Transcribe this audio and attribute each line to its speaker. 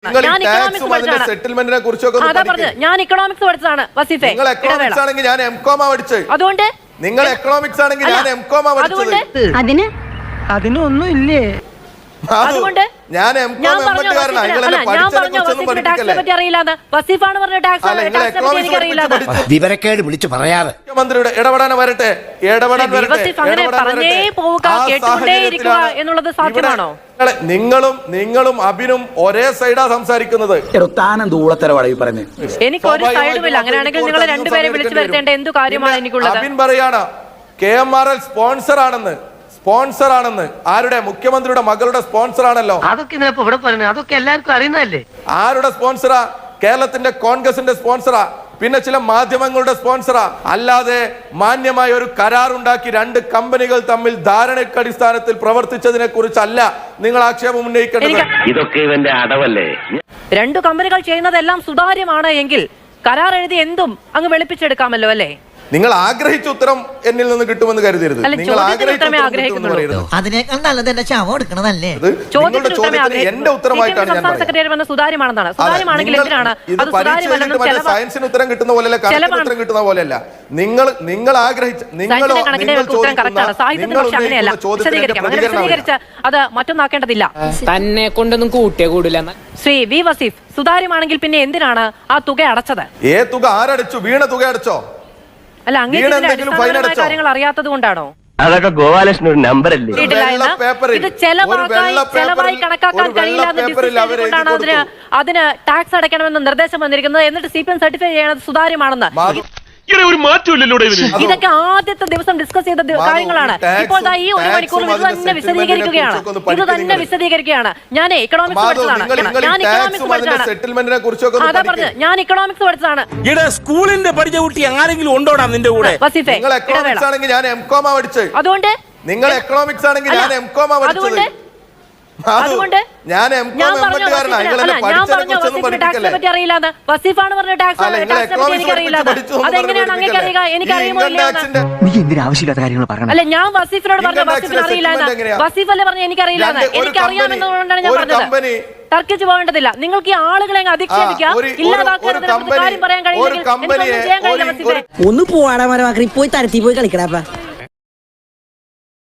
Speaker 1: ഞാൻ ഇക്കണോമിക്സ് പഠിച്ചതാണ്.
Speaker 2: സെറ്റിൽമെന്റിനെ കുറിച്ചൊക്കെ
Speaker 1: അതാ പറഞ്ഞത്, ഞാൻ ഇക്കണോമിക്സ് പഠിച്ചതാണ് വസീഫെ.
Speaker 2: നിങ്ങൾ എക്കണോമിക്സ് ആണെങ്കിൽ ഞാൻ എംകോം പഠിച്ചത്.
Speaker 1: അതുകൊണ്ട്
Speaker 2: നിങ്ങൾ എക്കണോമിക്സ് ആണെങ്കിൽ ഞാൻ എംകോം പഠിച്ചത്.
Speaker 3: അതിനൊന്നും ഇല്ലേ?
Speaker 1: അതുകൊണ്ട്
Speaker 2: ഞാൻ
Speaker 4: വിവരക്കേട് വിളിച്ചു പറയാതെ
Speaker 2: മുഖ്യമന്ത്രിയുടെ ഇടപെടാൻ വരട്ടെ,
Speaker 1: എന്നുള്ളത് സാധ്യമാണോ?
Speaker 2: നിങ്ങളും അബിനും ഒരേ സൈഡാ സംസാരിക്കുന്നത്.
Speaker 1: എനിക്ക് ഒരു സൈഡുമില്ല. അങ്ങനെയാണെങ്കിൽ നിങ്ങൾ രണ്ടുപേരെ വിളിച്ചു വരുത്തേണ്ട എന്തു കാര്യമാണ് എനിക്കുള്ളത്?
Speaker 2: അബിൻ പറയാണ് KMRL സ്പോൺസർ ആണെന്ന്. സ്പോൺസർ ആണെന്ന് ആരുടെ? മുഖ്യമന്ത്രിയുടെ മകളുടെ സ്പോൺസർ ആണല്ലോ.
Speaker 3: അതൊക്കെ അതൊക്കെ എല്ലാവർക്കും അറിയുന്നതല്ലേ.
Speaker 2: ആരുടെ സ്പോൺസറാ? കേരളത്തിന്റെ കോൺഗ്രസിന്റെ സ്പോൺസറാ, പിന്നെ ചില മാധ്യമങ്ങളുടെ സ്പോൺസറാ. അല്ലാതെ മാന്യമായ ഒരു കരാറുണ്ടാക്കി രണ്ട് കമ്പനികൾ തമ്മിൽ ധാരണയ്ക്ക് അടിസ്ഥാനത്തിൽ പ്രവർത്തിച്ചതിനെ കുറിച്ചല്ല നിങ്ങൾ ആക്ഷേപം ഉന്നയിക്കേണ്ടത്.
Speaker 5: ഇതൊക്കെ ഇവന്റെ അടവല്ലേ?
Speaker 1: രണ്ടു കമ്പനികൾ ചെയ്യുന്നതെല്ലാം സുതാര്യമാണ് എങ്കിൽ കരാർ എഴുതി എന്തും അങ്ങ് വെളുപ്പിച്ചെടുക്കാമല്ലോ അല്ലേ?
Speaker 2: നിങ്ങൾ ആഗ്രഹിച്ച ഉത്തരം എന്നിൽ നിന്ന് കിട്ടുമെന്ന് കരുതരുത്. നിങ്ങൾ
Speaker 6: അതിനേക്കാൾ നല്ലത് എന്റെ ശവം എടുക്കണതല്ലേ?
Speaker 2: എന്റെ ഉത്തരമായിട്ടാണ് ഞാൻ
Speaker 1: സുതാര്യമാണെന്നാണ്. സുതാര്യമാണെങ്കിൽ എന്തിനാണ് അത് സുതാര്യമല്ലെന്നും
Speaker 2: സയൻസിന് ഉത്തരം കിട്ടുന്ന പോലെയല്ല, കണക്കിന് ഉത്തരം കിട്ടുന്ന പോലെയല്ല. നിങ്ങൾ ആഗ്രഹിച്ച
Speaker 1: അത് മറ്റൊന്നാക്കേണ്ടതില്ല.
Speaker 3: തന്നെ കൊണ്ടൊന്നും കൂട്ടിയേ കൂടില്ല.
Speaker 1: ശ്രീ വി വസീഫ്, സുതാര്യമാണെങ്കിൽ പിന്നെ എന്തിനാണ് ആ തുക അടച്ചത്?
Speaker 2: തുക ആരടച്ചു? വീണ തുക അടച്ചോ?
Speaker 1: അല്ല, അങ്ങനെ കാര്യങ്ങൾ അറിയാത്തത് കൊണ്ടാണോ?
Speaker 5: അതൊക്കെ ഗോപാലകൃഷ്ണൻ ഒരു നമ്പർ അല്ലേ?
Speaker 1: ഇത് ചെലവായി കണക്കാക്കാൻ കഴിയില്ല. അതിന് ടാക്സ് അടയ്ക്കണമെന്ന് നിർദ്ദേശം വന്നിരിക്കുന്നത്. എന്നിട്ട് CPM സർട്ടിഫൈ ചെയ്യണത് സുതാര്യമാണെന്ന്. ഇതൊക്കെ ആദ്യത്തെ ദിവസം ഡിസ്കസ് ചെയ്ത കാര്യങ്ങളാണ്. ഇപ്പോൾ ഈ ഒരു മണിക്കൂറിൽ ഇത് തന്നെ വിശദീകരിക്കുകയാണ്. ഞാൻ ഇക്കണോമിക്സ് പഠിച്ചതാണ്. അതാ പറഞ്ഞത്, ഞാൻ ഇക്കണോമിക്സ് പഠിച്ചതാണ്.
Speaker 4: സ്കൂളിന്റെ പഠിച്ച കുട്ടി ആരെങ്കിലും ഉണ്ടോടാ നിന്റെ കൂടെ?
Speaker 1: വസീഫെ, അതുകൊണ്ട്
Speaker 2: നിങ്ങൾ എക്കണോമിക്സ് ആണെങ്കിൽ ഞാൻ എംകോം പഠിച്ചത്.
Speaker 1: അതുകൊണ്ട് ഞാൻ ടാക്സിനെ പറ്റി അറിയില്ലാന്ന്. വസീഫാണ് പറഞ്ഞ ടാക്സിനെ പറ്റി എനിക്കറിയില്ലാന്ന്. അതെങ്ങനെയാണ് അങ്ങനെ അറിയുക? എനിക്കറിയുമോ അല്ല, ഞാൻ വസീഫിനോട് പറഞ്ഞ വസീഫിന് അറിയില്ലാന്ന്. വസീഫ് അല്ലേ പറഞ്ഞ എനിക്കറിയില്ലാന്ന്. എനിക്കറിയാമെന്നുകൊണ്ടാണ് ഞാൻ പറഞ്ഞത്. തർക്കിച്ചു പോകേണ്ടതില്ല. നിങ്ങൾക്ക് ഈ ആളുകളെ അധിക്ഷേപിക്കാം, ഇല്ലാതാക്കാൻ കാര്യം പറയാൻ കഴിയില്ലെങ്കിൽ
Speaker 6: ഒന്ന് പോവാടാ മരമാക്കി പോയി തരത്തി പോയി കളിക്കടാ.